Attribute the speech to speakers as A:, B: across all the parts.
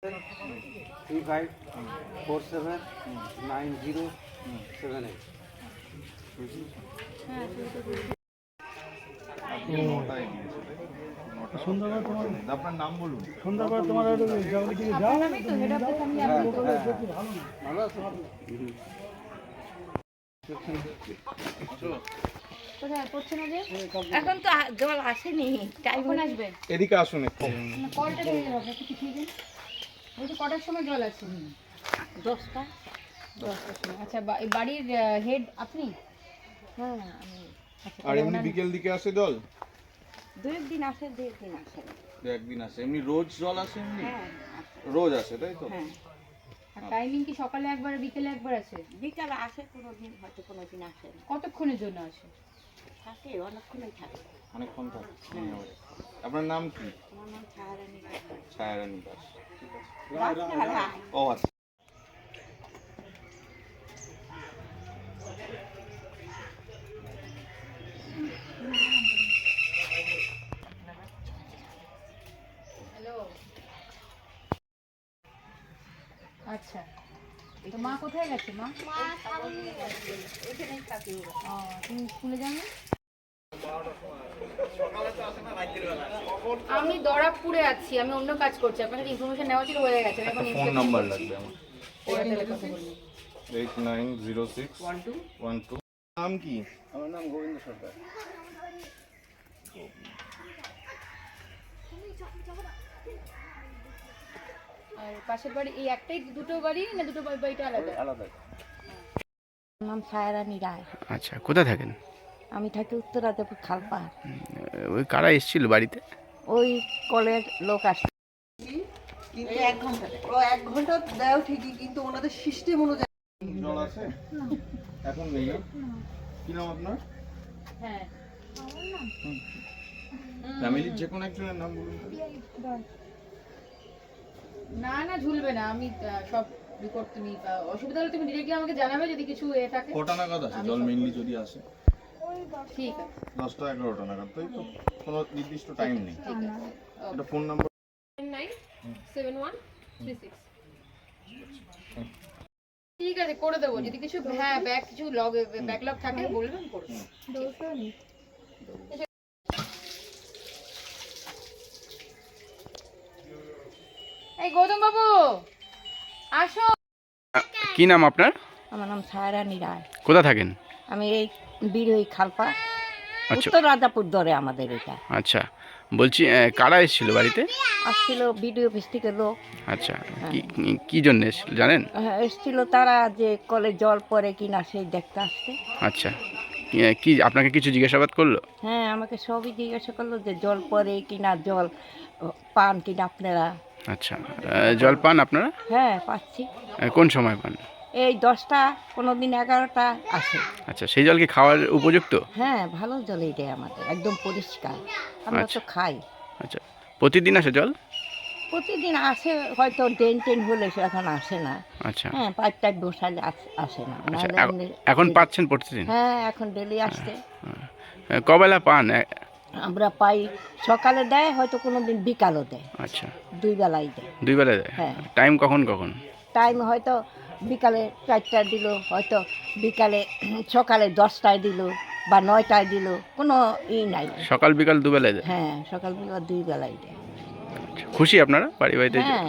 A: 35479078।
B: সুন্দরবন তোমার
C: আপনার নাম বলুন।
B: সুন্দরবন তোমার
A: ভালো আছে?
D: কোথায় পড়ছে না যে? এখন তো জল আসেনি, টাইম আসবে।
C: এদিকে আসুন একটু।
D: কলটা ঢেলে হবে একটু ঠিক আছে। ওই যে কটার সময় জল আছে? 10টা। 10টার সময়। আচ্ছা, বাড়ির হেড আপনি? হ্যাঁ, আমি। আচ্ছা,
C: আর এমনি বিকেল দিকে আসে জল?
D: দু একদিন আসে, দু একদিন আসে না।
C: দু একদিন আসে। এমনি রোজ জল আসে এমনি?
D: হ্যাঁ,
C: রোজ আসে তাই তো?
D: হ্যাঁ। আর টাইমিং কি সকালে একবার বিকেলে একবার আছে? বিকালে আসে কোনোদিন, হয়তো কোনোদিন আসে না। কতক্ষণের জন্য আসে? থাকে, অনেকক্ষণই থাকে।
C: অনেকক্ষণ থাকে। আপনার নাম কি?
D: আমার নাম ছায়ারানী রায়।
C: ছায়ারানী দাস। ঠিক আছে।
D: রায়।
C: ও আচ্ছা।
D: আচ্ছা, তো মা কোথায় গেছে? মা এখানেই থাকে। তুমি স্কুলে যাও না? আমি দরাবপুরে আছি, আমি অন্য কাজ করছি। আপনার সাথে ইনফরমেশন নেওয়া ছিল, হয়ে গেছে। এখন
C: ফোন নাম্বার লাগবে আমার।
D: এয়ারটেলে কথা বলবো।
C: 890612। নাম কি?
A: আমার নাম গোবিন্দ সরকার।
D: আর পাশের বাড়ি এই একটাই, দুটো বাড়ি না দুটো বাড়িটা আলাদা?
A: আলাদা।
D: আমার নাম ছায়ারানী রায়।
E: আচ্ছা, কোথায় থাকেন?
D: আমি থাকি উত্তরাদেপুর খালপাড়।
E: ওই কারা এসেছিল বাড়িতে?
D: ওই কলের লোক আসছে।
F: কিন্তু 1 ঘন্টা ও 1 ঘন্টা দেও ঠিকই, কিন্তু ওনাদের সিস্টেম অনুযায়ী
C: জল আছে? এখন নেই না? কি নাম আপনার?
D: হ্যাঁ,
C: ফ্যামিলির যে কোনো একজনের নাম বলুন।
D: না না ঝুলবে না। আমি সব রিপোর্ট, তুমি অসুবিধা হলে তুমি ডিরেক্টলি আমাকে জানাবে যদি কিছু থাকে।
C: কটা নাগাদ আসে জল মেইনলি যদি আসে?
D: ঠিক আছে,
C: 10টা 11টা নাগাদ, তাই তো? কোনো নির্দিষ্ট টাইম নেই।
D: ঠিক আছে।
C: এটা ফোন নাম্বার?
D: 97136। ঠিক আছে, করে দেবো যদি কিছু। হ্যাঁ, কিছু ব্যাকলগ থাকে বলবেন, করে দেবো। এই গৌতম বাবু আসো।
E: কি নাম আপনার?
D: আমার নাম ছায়ারানী রায়।
E: কোথা থাকেন?
D: আমি এই বিরোহী খালপা,
E: আচ্ছা
D: উত্তর রাজাপুর ধরে আমাদের এটা।
E: আচ্ছা, বলছি কারা এসেছিল বাড়িতে?
D: আসছিল বিডিও অফিস থেকে লোক।
E: আচ্ছা, কি কি জন্য এসেছিল জানেন?
D: এসছিল তারা যে কলে জল পড়ে কিনা সেই দেখতে আসছে।
E: আচ্ছা, কি আপনাকে কিছু জিজ্ঞাসাবাদ করলো?
D: হ্যাঁ, আমাকে সবই জিজ্ঞাসা করলো যে জল পড়ে কিনা, জল পান কিনা আপনারা।
E: আচ্ছা, জল পান আপনারা?
D: হ্যাঁ, পাচ্ছি।
E: কোন সময় পান?
D: এই 10টা, কোনোদিন 11টা আসে।
E: আচ্ছা, সেই জল কি খাওয়ার উপযুক্ত?
D: হ্যাঁ, ভালো জলই দেয় আমাদের, একদম পরিষ্কার। আমরা তো খাই।
E: আচ্ছা, প্রতিদিন আসে জল?
D: প্রতিদিন আসে, হয়তো ড্রেন হলে সে এখন আসে না।
E: আচ্ছা।
D: হ্যাঁ, পাইপ বসালে আসে না।
E: আচ্ছা,
D: নাহলে এমনি
E: এখন পাচ্ছেন প্রতিদিন?
D: হ্যাঁ, এখন ডেলি আসছে।
E: কবেলা পান?
D: আমরা পাই, সকালে দেয়, হয়তো কোনোদিন বিকালও দেয়।
E: আচ্ছা,
D: 2 বেলাই দেয়।
E: 2 বেলা দেয়?
D: হ্যাঁ।
E: টাইম কখন কখন?
D: টাইম হয়তো বিকালে 4টায় দিল, হয়তো বিকালে সকালে 10টায় দিল, বা 9টায় দিল, কোনো নাই।
E: সকাল বিকাল 2 বেলায় দেয়?
D: হ্যাঁ, সকাল বিকাল 2 বেলাই দেয়।
E: আচ্ছা, খুশি আপনারা বাড়িতে?
D: হ্যাঁ।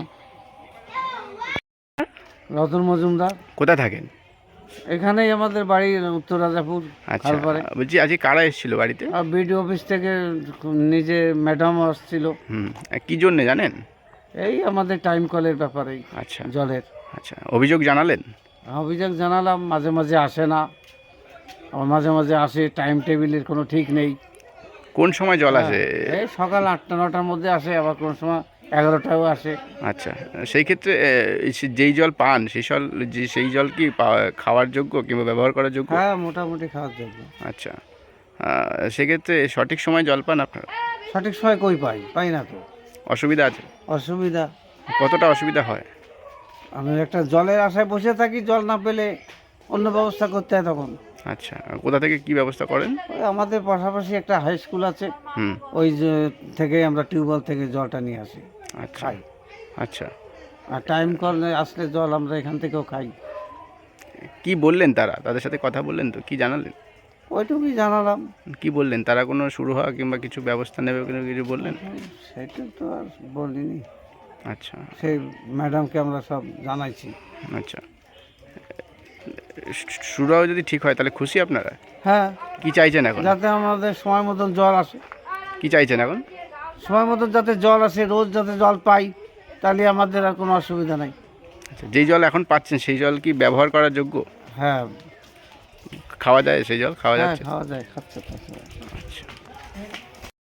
B: রতন মজুমদার।
E: কোথায় থাকেন?
B: এখানেই আমাদের বাড়ি, উত্তর রাজাপুর
E: আচ্ছা,
B: খালপাড়ে।
E: বলছি আজকে কারা এসেছিল বাড়িতে?
B: আর বিডিও অফিস থেকে নিজে ম্যাডাম আসছিল।
E: কি জন্য জানেন?
B: এই আমাদের টাইম কলের ব্যাপারেই।
E: আচ্ছা,
B: জলের।
E: আচ্ছা, অভিযোগ জানালেন?
B: অভিযোগ জানালাম, মাঝে মাঝে আসে না, আবার মাঝে মাঝে আসে, টাইম টেবিলের কোনো ঠিক নেই।
E: কোন সময় জল আসে?
B: এই সকাল 8টা 9টার মধ্যে আসে, আবার কোনো সময় 11টাও আসে।
E: আচ্ছা, সেই ক্ষেত্রে যেই জল পান সেই জল কি খাওয়ার যোগ্য কিংবা ব্যবহার করার যোগ্য?
B: হ্যাঁ, মোটামুটি খাওয়ার জন্য।
E: আচ্ছা, সেক্ষেত্রে সঠিক সময় জল পান আপনারা?
B: সঠিক সময় কই পাই না তো।
E: অসুবিধা আছে?
B: অসুবিধা
E: কতটা অসুবিধা হয়?
B: আমি একটা জলের আশায় বসে থাকি, জল না পেলে অন্য ব্যবস্থা করতে হয় তখন।
E: আচ্ছা, কোথা থেকে কি ব্যবস্থা করেন?
B: ওই আমাদের পাশাপাশি একটা হাই স্কুল আছে,
E: হুম।
B: ওই থেকে আমরা টিউবওয়েল থেকে জলটা নিয়ে আসি,
E: আচ্ছা।
B: খাই।
E: আচ্ছা,
B: আর টাইম কলে আসলে জল আমরা এখান থেকেও খাই।
E: কি বললেন তারা? তাদের সাথে কথা বললেন তো? কি জানালেন?
B: ওইটুকুই জানালাম।
E: কি বললেন তারা? কোনো শুরু হওয়া কিংবা কিছু ব্যবস্থা নেবে কোনো কিছু বললেন?
B: সেটা তো আর বলিনি,
E: আচ্ছা
B: সেই ম্যাডামকে আমরা সব জানাইছি।
E: আচ্ছা, শুরুও যদি ঠিক হয় তাহলে খুশি আপনারা?
B: হ্যাঁ,
E: কি চাইছেন এখন?
B: যাতে আমাদের সময় মতন জল আসে,
E: কি চাইছেন এখন?
B: সময় মতন যাতে জল আসে, রোজ যাতে জল পাই, তাহলে আমাদের আর কোনো অসুবিধা নাই।
E: আচ্ছা, যেই জল এখন পাচ্ছেন সেই জল কি ব্যবহার করার যোগ্য?
B: হ্যাঁ,
E: খাওয়া যায়? সেই জল খাওয়া
B: হ্যাঁ
E: যাচ্ছে?
B: খাওয়া যায়, খাচ্ছে।